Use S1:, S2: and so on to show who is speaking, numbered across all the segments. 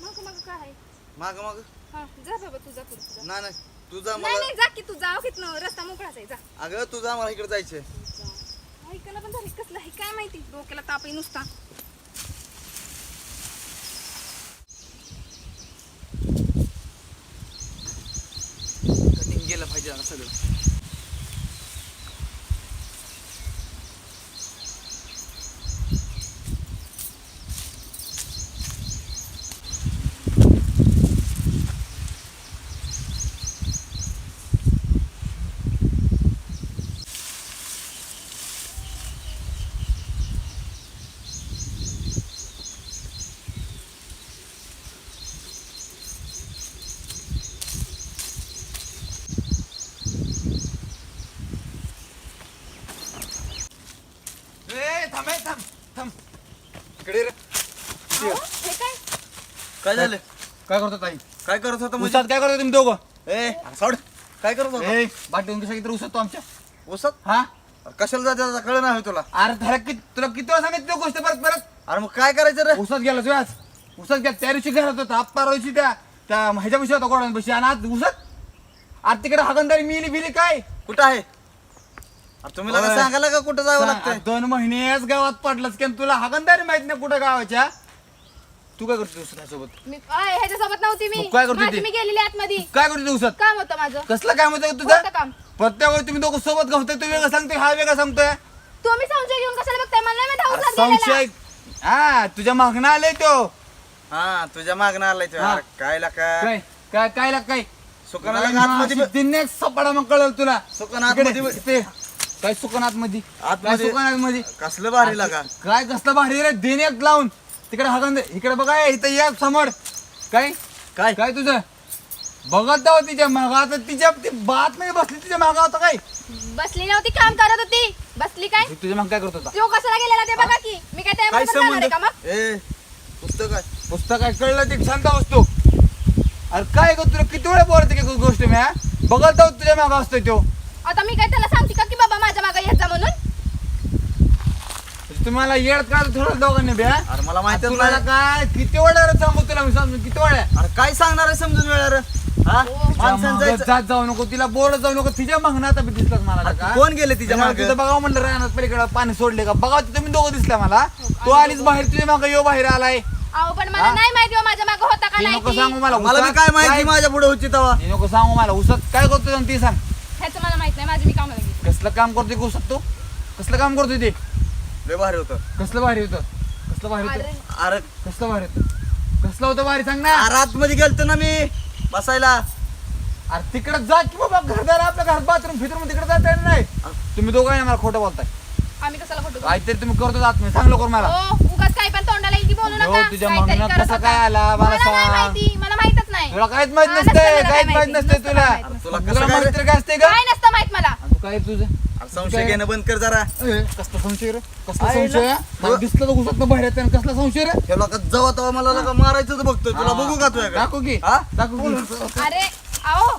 S1: मग मग काय आहे?
S2: माग माग
S1: हा जा बाबा तुझा पुढे जा.
S2: नाही नाही तुझा
S1: नाही
S2: मला
S1: नाही जा की तू जा कितनं रस्ता मोकळाच आहे जा.
S2: अगं तुझा मला इकडे जायचंय
S1: ऐकायला पण झाली कसलं आहे काय माहिती डोक्याला ताप आहे नुसता.
S2: कटिंग गेलं पाहिजे आता सगळं. थांब थांब थांब इकडे रे.
S1: अहो, हे काय
S2: काय झालं?
S3: काय करतो ताई?
S2: काय करत होता म्हणजे?
S3: उसात काय करतो तुम्ही दोघं?
S2: ए सोड. काय करत होता?
S3: ए बाटली कशा किती उसत तो आमच्या
S2: उसत
S3: हा
S2: कशाला जायचं कळ नाही तुला?
S3: अरे धडक की तुला किती वेळा सांगितलं गोष्ट परत परत
S2: अरे मग काय करायचं रे?
S3: उसत गेला तुझ्याच उसत गेला त्या दिवशी घरात होता अप्पा दिवशी त्या ह्याच्या विषयी होता गोडांपाशी आणि आज उसत आज तिकडे हागंदारी मिली बिली काय
S2: कुठं आहे? अरे तुम्ही लगा
S3: होय.
S2: सांगायला का कुठं जावं लागतंय?
S3: 2 महिनेच गावात पडलास की तुला हागंदारी माहित नाही कुठं गावाच्या. तू काय करतो उसतासोबत?
S1: मी ह्याच्यासोबत नव्हती मी
S3: मग काय करत होती?
S1: माझी मी गेलेली आतमध्ये
S3: काय करतो उसत?
S1: काम होतं माझं.
S3: कसलं काय म्हणतो
S1: कोणतं
S3: तुझं?
S1: काम?
S3: प्रत्येक वेळी तुम्ही दोघं सोबत गावतोय तू वेगळं सांगतोय हा वेगळा सांगतोय.
S1: तुम्ही संशय घेऊन कशाला बघताय मला नाही माहित
S3: अरे
S1: हाऊसात गेलेला.
S3: संशय हा तुझ्या मागणं आलंय तो.
S2: हा तुझ्या मागणं आलाय तो.
S3: हा.
S2: अरे काय लाका
S3: काय काय काय लाग काय
S2: सुकनाला आतमध्ये
S3: दिने सपाडा मग कळल तुला.
S2: सुकन आतमध्ये
S3: इकडे, इथे. काय सुकनात मध्ये
S2: आतमध्ये.
S3: सुकनात मध्ये
S2: कसलं भारी लागा.
S3: काय कसलं भारी रे दिने लावून तिकडे हागंद इकडे बघा इथं या समोर काय
S2: काय
S3: काय तुझं बघत जाव तिच्या मागा आता तिच्या ती बात नाही बसली तिच्या मागा होता काय
S1: बसली नव्हती काम करत होती. बसली काय
S3: तुझ्या माग काय करत होता
S1: तो कशाला गेलेला ते बघा की मी काय
S2: काय
S1: त्याबरोबर जाणार आहे
S2: संबंध?
S1: का मग.
S2: ए पुस्तक काय
S3: पुस्तक काय कळलं ते शांत असतो. अरे काय ग तुला किती वेळा बोलते की गोष्ट मी हा? बघत जाऊ तुझ्या मागा असतोय तो.
S1: आता मी काय त्याला सांगते का की बाबा माझ्या मागे येत जा म्हणून.
S3: तुम्हाला येड का थोडं दोघांनी बे हा?
S2: अरे मला माहितच
S3: तुला
S2: नाही.
S3: काय किती वेळा रे सांगू तुला मी सांगू किती वेळा
S2: अरे काय सांगणार आहे समजून वेळा रे? हा
S1: हो.
S2: माणसानं जायचं.
S3: जात जाऊ नको तिला बोलत जाऊ नको तिच्या मागणं आता दिसलं मला
S2: अरे
S3: का
S2: कोण गेले तिच्या मागे?
S3: तिथं बघावं म्हणलं राहणार पलीकडे पाणी सोडले का बघा तुम्ही दोघं दिसला मला तो आलीच बाहेर तुझ्या मागे यो बाहेर आलाय.
S1: अहो पण मला
S3: हा?
S1: नाही माहिती हो माझ्या मागे होता का
S3: ती
S1: नाही
S3: नको
S1: ती.
S3: सांगू मला
S2: मला बी
S3: उसात
S2: काय माहिती
S3: काय-
S2: माझ्या पुढे होती तेव्हा.
S3: ती नको सांगू मला उसत काय करतो जाऊन ती सांग.
S1: ह्याचं मला माहित नाही माझी मी कामाला गेली.
S3: कसलं काम करतोय का उसत तू कसलं काम करतोय ते
S2: लय भारी होतं.
S3: कसलं भारी होतं कसलं भारी
S1: अरे
S3: होतं
S2: अरे
S3: कसलं भारी होतं कसलं होतं भारी सांग ना.
S2: अरे आतमध्ये गेलतो ना मी बसायला.
S3: अरे तिकडे जा की बाबा घरदार आपल्या घरात बाथरूम फिथरूम तिकडे जाता येणार नाही. तुम्ही दोघं मला खोटं बोलताय
S1: आम्ही कशाला खोटं बोलू?
S3: काहीतरी तुम्ही करतो आत सांग लवकर मला.
S1: हो उगाच काय पण तोंडाला येईल ती बोलू
S3: हो,
S1: नका.
S3: तुझ्या
S1: काहीतरी
S3: मागण्यात
S1: करत
S3: कसा
S1: होता.
S3: काय आला मला
S1: मला नाही
S3: सांग.
S1: माहिती मला माहितच नाही.
S3: तुला काहीच माहित
S1: हा,
S3: नसते
S1: नसतं मला
S3: काहीच
S1: काय
S3: माहित
S1: माहिती,
S3: नसते
S1: नसतं
S3: तुला
S1: मला माहित.
S2: तुला
S3: तुला
S2: कसं काय
S3: माहिती तरी काय असते का
S1: काय नसतं माहित मला.
S3: आणि तू काय तुझं
S2: अरे संशय घेणं बंद कर जरा.
S3: कसला संशय रे कसला
S2: आहे
S3: संशय
S2: ना?
S3: मला दिसलं तर घुसत बाहेर येते कसला संशय रे
S2: हे लोक जवळ तेव्हा मला लगा मारायचं बघतोय. तुला बघू का तुझ्या
S3: दाखव की
S2: हा?
S3: दाखव की.
S1: अरे आओ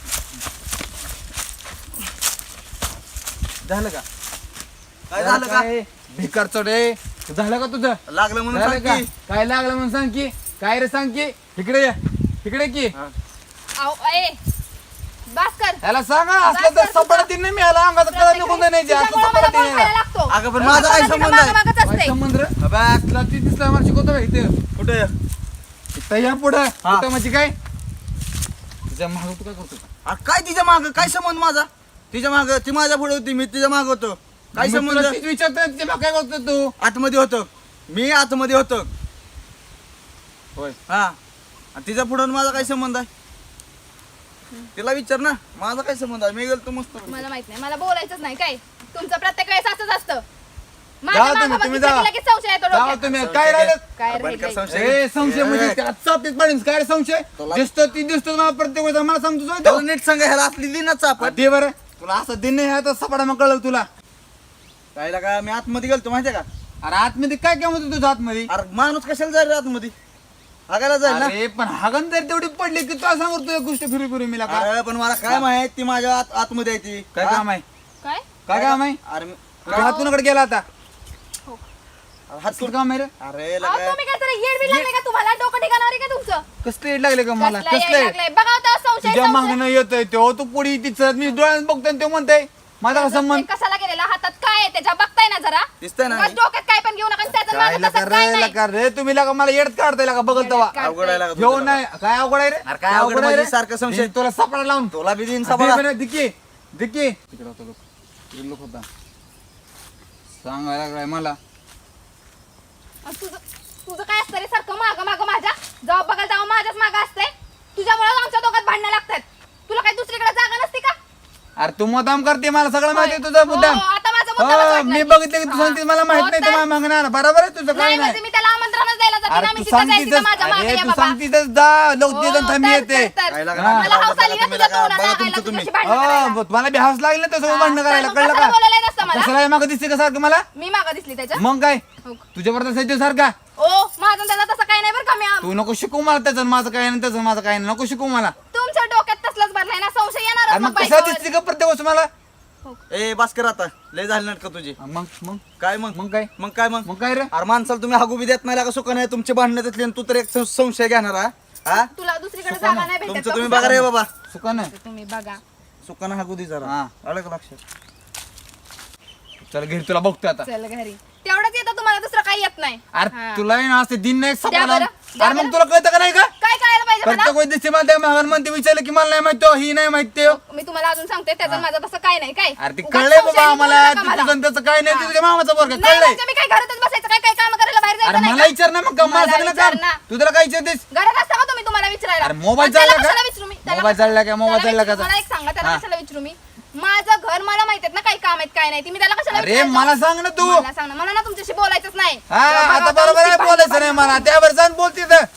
S3: झालं का
S2: काय झालं का?
S3: भिकार चढे झालं का तुझं
S2: लागलं म्हणून
S3: झालं
S2: सांग
S3: का
S2: की.
S3: काय लागलं म्हणून सांग की काय रे सांग की इकडे ये इकडे की
S1: आओ ए बस कर.
S3: याला सांगा असलं तर सपाडा तीन नाही मिळाला अंगात कळत निघून नाही असं
S1: तिच्यामुळं
S3: सपाडा
S1: मला
S3: तीन
S1: बोल खायला लागतो.
S2: अगं पण माझा काय संबंध आहे?
S1: मागच
S3: काय
S1: असते.
S3: संबंध रे
S2: अबे,
S3: तुला ती दिसला मला शिकवतो का इथे
S2: कुठे
S3: इथं या पुढं
S2: हा.
S3: कुठं म्हणजे काय तुझ्या माग तू काय करतो
S2: अरे काय तिच्या माग काय संबंध माझा? तिच्या माग ती माझ्या पुढे होती मी तिच्या माग होतो. काय
S3: मग तुला
S2: संबंध?
S3: तीच विचारतोय तुझ्या मागं काय करतो तू
S2: आतमध्ये होतो मी आतमध्ये होतो.
S3: होय
S2: हा आणि तिच्या पुढे माझा काय संबंध आहे? तिला विचार ना माझा काय संबंध आहे? मी गेलो मस्त.
S1: मला माहित नाही मला बोलायचंच नाही काय तुमचं प्रत्येक वेळेस असंच असतं.
S3: जावा
S1: माझ्या
S3: तुम्ही,
S1: मागं
S3: तुम्ही
S1: बघितलं
S3: जावा.
S1: की लगेच संशय येतो
S3: जावा
S1: डोक्यात.
S3: तुम्ही काय राहिलं
S1: काय
S2: बंद कर
S1: राहिलंय?
S2: संशय.
S3: ए संशय म्हणजे
S2: ए.
S3: त्याचा पीक पाडीन काय रे संशय
S2: तुला-
S3: दिसतो ती दिसतो मला प्रत्येक वेळेस मला सांगतो
S2: त्याला
S3: तो.
S2: नीट सांगा ह्याला असली दिनाच आपण.
S3: दे बरं तुला असं दिन नाही तर सपाडा मग कळलं तुला.
S2: काय लागा मी आतमध्ये गेलतो माहितीये का?
S3: अरे आतमध्ये काय काम होतं तुझ्या आतमध्ये
S2: अरे माणूस कशाला जाईल रे आतमध्ये? हागायला जाईल ना.
S3: अरे पण हागण जर तेवढी पडली की तुला सांगतो तुझ्या गोष्ट फिरी फिरी मिला का
S2: अरे पण मला काय माहित ती माझ्या आतमध्ये आहे ती.
S3: काय
S2: हा?
S3: काम आहे
S1: काय
S3: काय काम आहे
S2: अरे
S3: तुझ्या हातूनकडे गेला आता
S1: हो
S2: हात
S3: कसलं काम आहे रे
S2: अरे
S1: अहो,
S2: लगा
S1: तुम्ही काय जरा येड बीड लागले का तुम्हाला डोकं ठिकाणावर आहे का तुमचं
S3: कसलं येड लागले का मला
S1: कसलं येड
S3: कसलं
S1: लागलंय? बघा होता संशय
S3: तुझ्या
S1: संशय.
S3: मागणं येतोय तो तू पुढे तिचं मी डोळ्यात बघतोय आणि तो म्हणतोय माझा का संबंध
S1: ते कशाला गेलेला हातात काय आहे त्याच्या बघताय ना जरा
S2: दिसतंय ना
S1: उगाच डोक्यात काय पण घेऊ नका आणि त्याचं
S3: काय
S1: माझं तसं काय नाही.
S3: लका रे तुम्ही लका मला येडत काढताय लका बघल तवा
S1: काढताय.
S2: अवघड आहे लागा
S3: घेऊन
S2: तुझं.
S3: नाही काय अवघड आहे रे
S2: अरे काय अवघड
S3: आहे
S2: म्हणजे
S3: रे?
S2: सारखं संशय.
S3: मी तुला सापडा लावून
S2: तुला बी देईन सापळा.
S3: दिकी दिकी तिकडे होता लोक तिकडे लोक होता सांगायला लागलाय मला
S1: आणि तुझं काय असतं रे सारखं मागं माझ्या जेव्हा बघायला तेव्हा माझ्याच मागं असतंय तुझ्यामुळे आमच्या दोघात भांडणं लागतात तुला काही दुसरीकडे जागा नसते का
S3: अरे तू मुद्दाम करते मला सगळं माहिती आहे
S1: होय.
S3: तुझं मुद्दाम
S1: हो, आता माझा मुद्दामच
S3: हो,
S1: वाटला
S3: मी
S1: की.
S3: बघितलं की तू
S1: हा.
S3: सांगते मला माहित
S1: हो
S3: नाही
S1: तर.
S3: तर मागणार बरोबर आहे तुझं काय
S1: नाही
S3: नाही
S1: म्हणजे मी त्याला आमंत्रणच द्यायला जाते ना
S3: अरे
S1: मी
S3: तू
S1: तिथं जायचं
S3: सांगतीस
S1: माझ्या मागे
S3: अरे
S1: या
S3: तू
S1: बाबा
S3: सांगतीस जा लोक
S1: हो,
S3: ते जण थांबी
S1: तर,
S3: येते
S1: तर.
S2: काय लागलं?
S3: हा.
S1: मला हौस आली ना
S2: तुम्ही
S1: तुझ्या
S2: लागा,
S1: तोंडाला
S2: बघा
S1: लागायला,
S2: तुमचं तुम्ही.
S1: तुझ्याशी भांडणं करायला.
S3: हो मला बी हौस लागली ना तसं भांडणं करायला
S1: मग
S3: कळलं
S1: कशाला
S3: का
S1: बोलायला नसतं मला
S3: कशाला मागं दिसते का सारखं मला
S1: मी मागं दिसली त्याच्या
S3: मग काय
S1: हो.
S3: तुझ्यावर तसं सारखा
S1: ओ माझं आणि त्याचं तसं काही नाही बरं का मी
S3: तू नको शिकू मला त्याचं आणि माझं काय नाही त्याचं माझं काय नाही नको शिकू मला
S1: तुमच्या डोक्यात तसलाच भरलाय ना संशय
S3: अरे
S1: येणार
S3: मग कशा दिसते का प्रत्येक गोष्ट मला
S2: ए भास्कर आता लय झाली नाटक तुझी
S3: मग मग
S2: काय मग
S3: मग काय
S2: मग काय मग
S3: मग काय रे
S2: अरे माणसाला तुम्ही हागू बी देत नाही लागा सुका नाही तुमचे भांडणं त्यातले आणि तू तर एक संशय घेणार हा? हा
S1: तुला दुसरीकडे जागा नाही भेटत
S2: तुमचं
S1: का?
S2: तुम्ही बघा रे बाबा
S3: सुका नाही
S1: तुम्ही बघा
S2: सुकानं हागू दे जरा
S3: हा.
S2: आलं का लक्षात
S3: चल घरी तुला बघतो आता
S1: चल घरी तेवढंच येतं तुम्हाला दुसरं काही येत नाही
S3: अरे
S1: हा.
S3: तुला आहे ना असं दिन नाही
S1: द्या
S3: सापडा
S1: बरं, द्या
S3: अरे मग
S1: बरं.
S3: तुला कळतं का नाही का
S1: काय कळायला पाहिजे मला
S3: प्रत्येक वेळी दिसते मला त्या महागार म्हणते विचारलं की मला नाही माहित तो, ही नाही माहित ते
S1: मी तुम्हाला अजून सांगते त्याचं माझं तसं काय नाही काय
S3: अरे ते
S1: उगाच
S3: कळलंय
S1: संशयाने
S3: बाबा
S1: बोलू
S3: आम्हाला
S1: नका मला.
S3: तुझं त्याचं काय नाही ते तुझ्या मामाचा वर्ग
S1: नाही
S3: कळलंय
S1: म्हणजे मी काय घरातच बसायचं काय काय काम करायला बाहेर
S3: अरे
S1: जायचं नाही
S3: मला
S1: का?
S3: विचार ना मग का मला
S1: मला
S3: सगळं
S1: विचार
S3: काम
S1: ना.
S3: तू त्याला काय विचारतेस
S1: घरात असता का तुम्ही तुम्हाला विचारायला
S3: अरे मोबाईल
S1: आणि त्याला
S3: चालला
S1: कशाला
S3: का
S1: विचारू मी? त्याला
S3: मोबाईल चालला का मोबाईल
S1: त्याला
S3: चालला का
S1: मला एक सांगा त्याला
S3: हा.
S1: कशाला विचारू मी माझं घर मला माहित ना काही काम आहेत काय नाही ती मी त्याला कशाला
S3: अरे
S1: विचारायचं?
S3: मला सांग ना तू
S1: मला सांग ना मला ना तुमच्याशी बोलायचंच नाही
S3: हा
S1: जेव्हा
S3: आता
S1: बघा
S3: बरोबर आहे
S1: तेव्हा
S3: बोलायचं नाही मला त्यावर जाऊन बोलते तर